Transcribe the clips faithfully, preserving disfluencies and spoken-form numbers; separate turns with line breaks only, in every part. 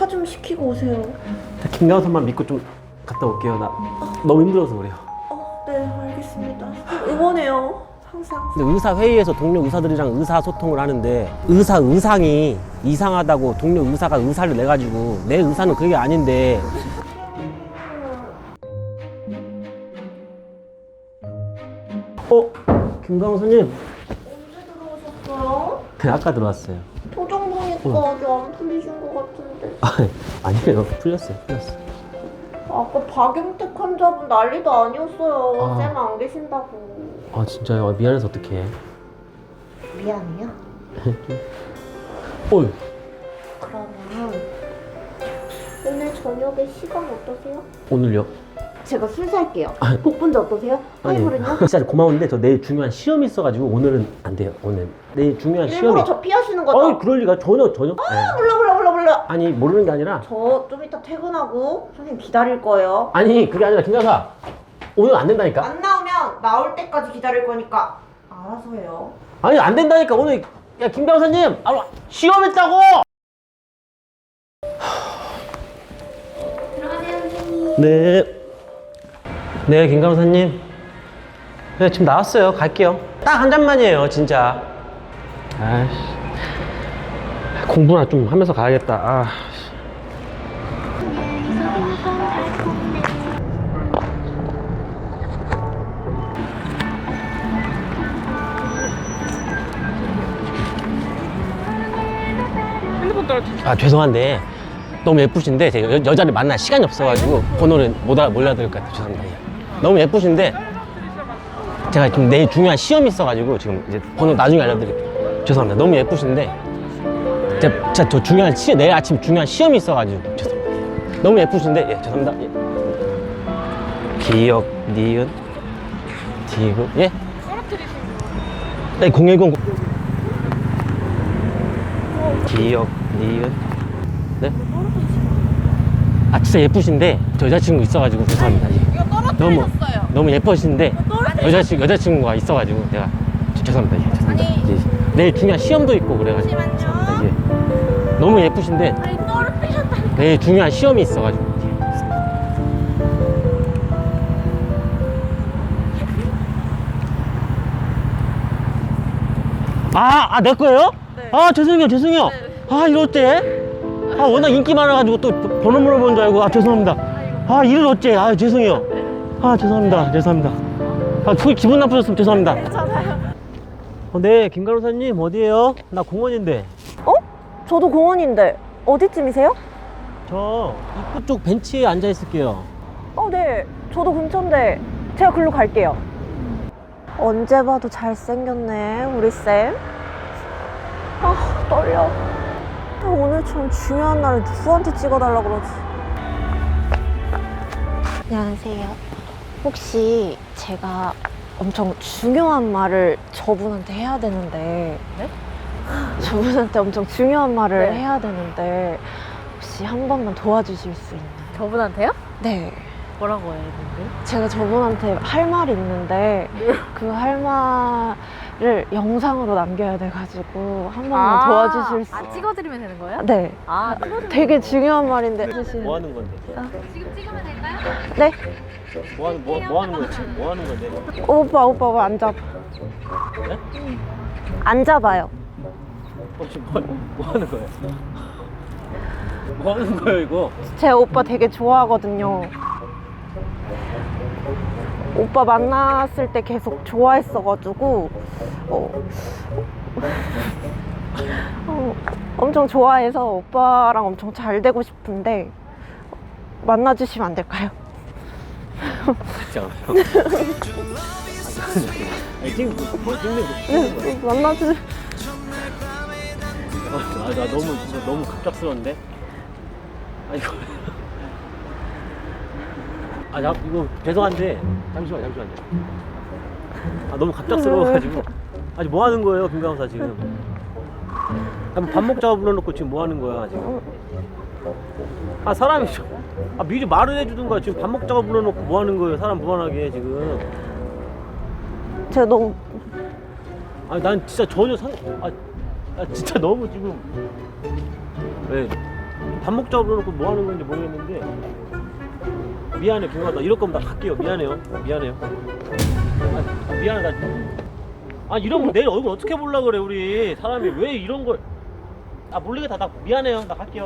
차 좀 시키고 오세요.
김강선만 믿고 좀 갔다 올게요. 나 너무 힘들어서 그래요.
어, 네, 알겠습니다. 응원해요. 항상.
근데 의사 회의에서 동료 의사들이랑 의사 소통을 하는데 의사 의상이 이상하다고 동료 의사가 의사를 내가지고 내 의사는 그게 아닌데. 어? 김강선님
언제 들어오셨어요?
그냥 아까 들어왔어요.
표정 보니까
어.
아직 안 풀리신 것 같은데.
아, 아니에요. 풀렸어요. 풀렸어요.
아까 박영택 환자분 난리도 아니었어요.
아.
쌤 안 계신다고.
아 진짜요? 아, 미안해서 어떡해.
미안해요.
어이.
그러면 오늘 저녁에 시간 어떠세요?
오늘요?
제가 술 살게요. 복분자 어떠세요? 하이볼은요?
진짜 고마운데 저 내일 중요한 시험이 있어가지고 오늘은 안 돼요. 오늘 내일 중요한
일부러
시험이.
저 피하시는 거죠?
어이 그럴 리가 전혀 전혀.
아, 몰라 몰라 몰라 몰라.
아니 모르는 게 아니라.
저 좀 이따 퇴근하고 선생님 기다릴 거예요.
아니 그게 아니라 김강사 오늘 안 된다니까.
안 나오면 나올 때까지 기다릴 거니까 알아서 해요.
아니 안 된다니까 오늘. 야 김강사님 아, 시험 있다고.
들어가세요 선생님.
네. 네 김강사님. 네 지금 나왔어요. 갈게요. 딱 한 잔만이에요 진짜. 아이씨. 공부나 좀 하면서 가야겠다. 아. 아 죄송한데 너무 예쁘신데 제가 여, 여자를 만날 시간이 없어가지고 번호를 못 알아 몰라드릴 것 같아요. 죄송합니다. 예. 너무 예쁘신데 제가 지금 내일 중요한 시험이 있어가지고 지금 이제 번호 나중에 알려드릴게요. 죄송합니다. 너무 예쁘신데 제가, 제가 저 중요한 시 내일 아침 중요한 시험이 있어가지고 죄송합니다. 예. 너무 예쁘신데 예 죄송합니다. 예. 기억 니은 디귿 예? 네 공일공 기억 니은 네? 아 진짜 예쁘신데 저 여자친구 있어가지고 죄송합니다. 예.
이거
너무
떨어뜨리셨어요.
너무 예쁘신데
떨어뜨리셨어요.
여자친구 여자친구가 있어가지고 내가 저- 죄송합니다. 예, 죄송합니다.
아니.
예. 내일 중요한 시험도 있고 그래가지고
잠시만요.
죄송합니다. 예. 너무 예쁘신데
아니 떨어뜨리셨다니까.
내일 중요한 시험이 있어가지고 예. 아, 아, 내 거예요?
네.
아, 죄송해요, 죄송해요.
네.
아, 이럴 때. 아, 워낙 인기 많아가지고 또 번호 물어본 줄 알고. 아, 죄송합니다. 아, 이럴 어째. 아, 죄송해요. 아, 죄송합니다. 죄송합니다. 아, 그 기분 나쁘셨으면 죄송합니다.
괜찮아요.
어, 네, 김가루사님, 어디에요? 나 공원인데.
어? 저도 공원인데 어디쯤이세요?
저 입구 쪽 벤치에 앉아 있을게요.
어, 네. 저도 근처인데 제가 글로 갈게요. 언제 봐도 잘생겼네, 우리 쌤. 아, 떨려. 아, 오늘처럼 중요한 날에 누구한테 찍어달라고 그러지? 안녕하세요. 혹시 제가 엄청 중요한 말을 저분한테 해야 되는데 네? 저분한테 엄청 중요한 말을
네.
해야 되는데 혹시 한 번만 도와주실 수 있나요?
저분한테요?
네.
뭐라고 해야 되는데?
제가 저분한테 할 말이 있는데 그 할 말을 영상으로 남겨야 돼가지고 한 번만 도와주실 수
아 찍어드리면 되는 거예요?
네.
아 찍어드리면
되게 중요한 말인데
뭐 하는 건데?
지금 찍으면 될까요?
네?
뭐 하는, 뭐, 뭐 하는 거지? 뭐 하는 건데?
오빠 오빠 왜 안 잡아?
네?
안 잡아요.
혹시 뭐, 뭐 하는 거예요? 뭐 하는 거예요, 이거?
제 오빠 되게 좋아하거든요. 오빠 만났을 때 계속 좋아했어가지고 어, 어, 엄청 좋아해서 오빠랑 엄청 잘 되고 싶은데 만나주시면 안 될까요?
같지 않아요? 아니, 지금 뭐, 지금
네, 만나주.
아, 나 너무, 진짜 너무 갑작스러운데? 아, 이거. 아, 나, 이거, 죄송한데. 잠시만, 잠시만요. 아, 너무 갑작스러워가지고. 아니, 뭐 하는 거예요, 김강사 지금? 아, 뭐밥 먹자고 불러놓고 지금 뭐 하는 거야, 지금? 아, 사람이 좀. 아, 미리 말을 해주든가 지금 밥 먹자고 불러놓고 뭐 하는 거예요, 사람 무한하게 지금.
제가 너무
아니, 난 진짜 전혀 상, 아, 아 진짜 너무 지금. 왜?
밥 먹자고 그러놓고 뭐 하는 건지 모르겠는데. 미안해, 김광아. 나 이럴 거면 나 갈게요. 미안해요. 미안해요. 아, 아, 미안해. 나. 아, 이러면 내일 얼굴 어떻게 보려고 그래, 우리. 사람이 왜 이런 걸. 아, 모르겠다. 나 미안해요. 나 갈게요.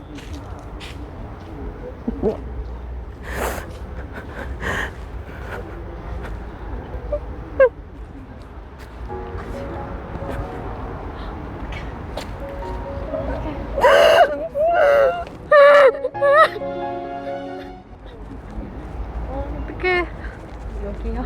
어떡해. 여기요.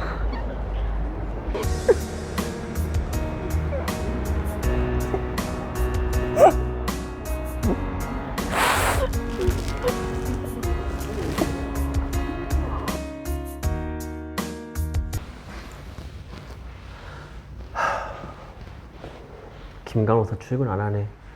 김간호사 출근 안 하네.